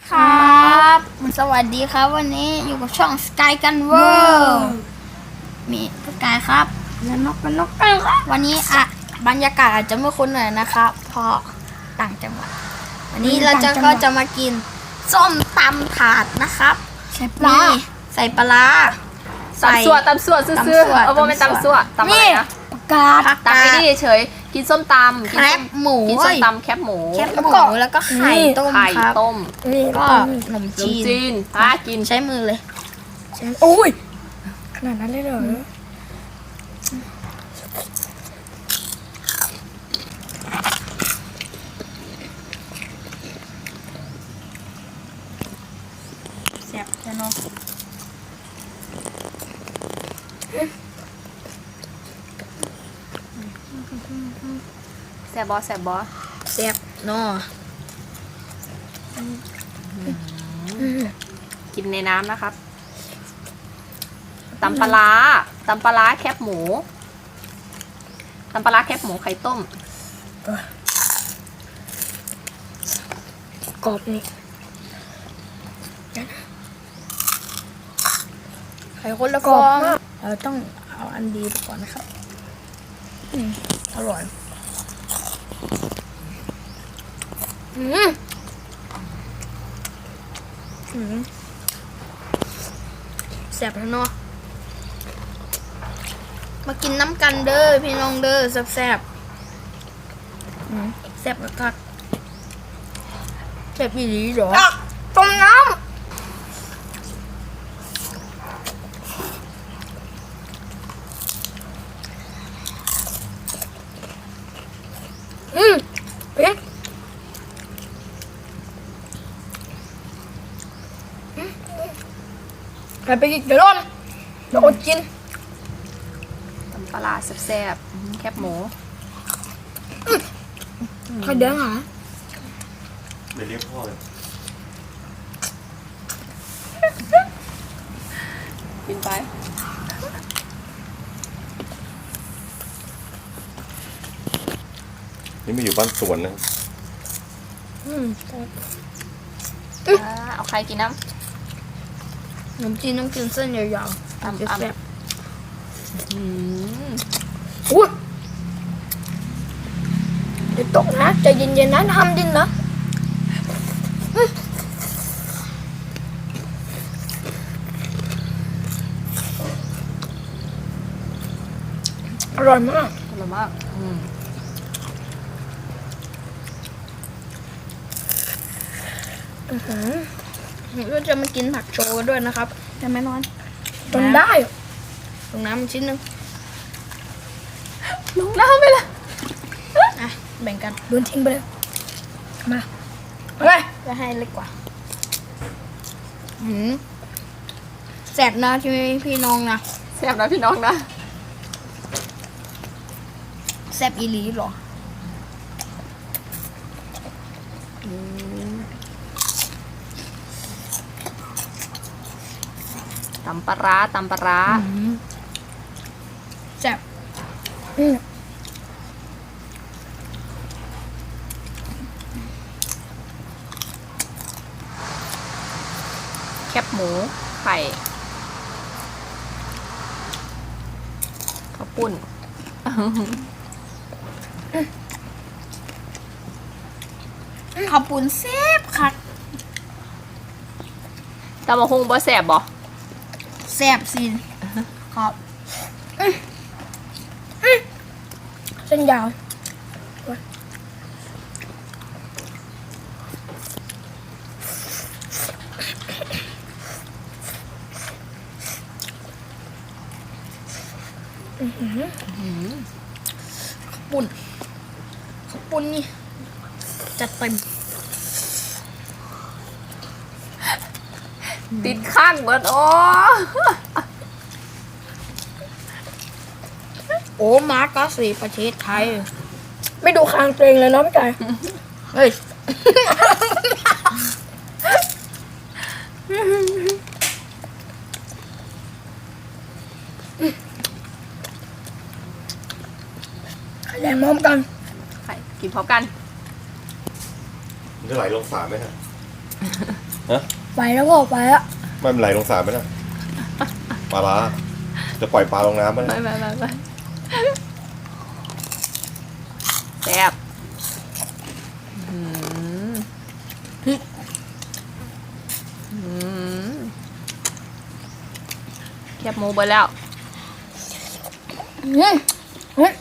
ครับ สวัสดีครับวันนี้อยู่กับช่องสกายกันเวอร์มีสกายครับและนกกันครับวันนี้บรรยากาศอาจจะไม่คุ้นหน่อยนะครับเพราะต่างจังหวัดวันนี้เราก็จะมากินส้มตำถาดนะครับใส่ปลาใส่ตำสั่วซื่อๆเอาไม่ตำสั่วตำอะไรนะผักกาดตำไม่ดีเฉยกินส้มตำแคบหมูกินส้มตำแคบหมูแล้วก็ไข่ต้มครับก็ขนมจีนกินใช้มือเลยโอ้ยขนาดนั้นเลยเหรอแซ่บใช่เนาะแซ่บบอแซ่เนาะกินในน้ำนะครับตำปลาแคบหมูไข่ต้มกรอบนี่ไข่คนละฟองเราต้องเอาอันดีไปก่อนนะครับอร่อยแซ่บแล้วเนาะมากินน้ำกันเด้อพี่น้องเด้อแซ่บแซ่บมากแซ่บอีหลีเหรอต้มน้ำเอ๊ะไปกินเดี๋ยวร้อนเดี๋ยวอดกินตำปลาแซ่บแคบหมูใครเดินหาเดี๋ยวเรียกพ่อเลยกินไปนี่ไม่อยู่บ้านสวนนะเอาใครกินน้ำขนมจีนต้องกินเส้นยาวๆจะแซ่บอุ้ยเดี๋ยวตกนะใจเย็นๆนะทำดินนะอร่อยมากก็จะมากินผักโชว์ด้วยนะครับจะไม่นอนจนได้ลงน้ำชิ้นหนึ่งลงน้ำไปเลยแบ่งกันโดนทิ้งไปเลยมาอะไรจะให้เล็กกว่าแซ่บนะที่พี่น้องนะแซ่บนะพี่น้องนะแซ่บอีหลีหรอตำปลาร้าแซ่บแคบหมูไข่ข้าวปุ้นข้าวปุ้นแซ่บค่ะตำมะฮุงบ่แซ่บบ่แซ่บสิครับเส้นยาวข้าวปุ้นนี่จัดเต็มติดข้างเบิดโอ้มาร์กสีประเทศไทยไม่ดูคางตัวเองเลยเนาะพี่ไก่เฮ้ยไข่แดงพร้อมกันไข่กินพร้อมกันมันจะไหลลงสระไหมฮะฮะไปแล้วพ่อไปแล้วไม่เป็นไรลงสารไหมนะปลาร้าจะปล่อยปลาลงน้ำไหมไปแซ่บแคบหมูไปแล้วอืมเฮ้ย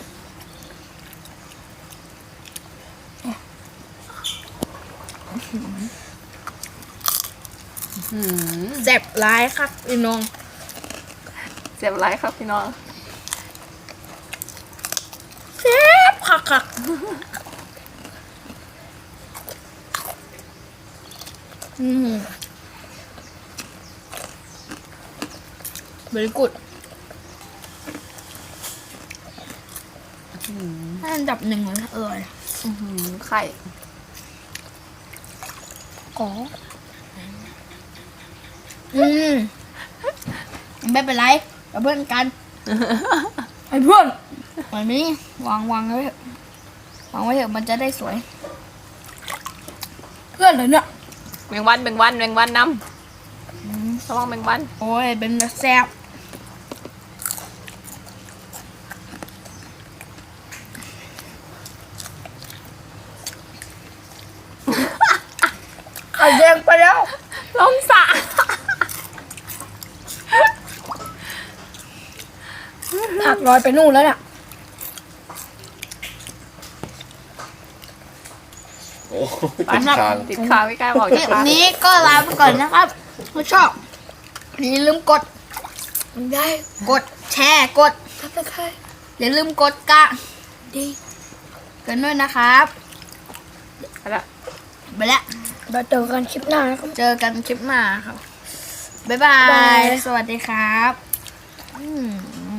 แซ่บร้ายครับพี่น้องเจ็บไรครับพี่น้องแซ่บคักvery good อันดับหนึ่งเลยอร่อยไข่อ๋อไม่เป็นไรกับเพื่อนกันไอ้เพื่อนวันนี้วางไว้เถอะวางไว้เถอะมันจะได้สวยเพื่อนเลยเนี่ยแมงวันน้ำระวังแมงวันโอ้ยเป็นแซ่บไข่แดงไปแล้วลมสะผักลอยไปนู่นแล้วเนี่ยโอ้ติดคางติดขาไม่กล้าบอกคลิปนี้ก็ลาไปก่อนนะครับถ้าชอบอย่าลืมกดมันได้แชร์กดทับตะไคร้อย่าลืมกดกะดีกันด้วยนะครับไปละไปแล้วเราเจอกันคลิปหน้านะครับเจอกันคลิปหน้าครับ บ๊ายบาบ๊ายบาย ยสวัสดีครับ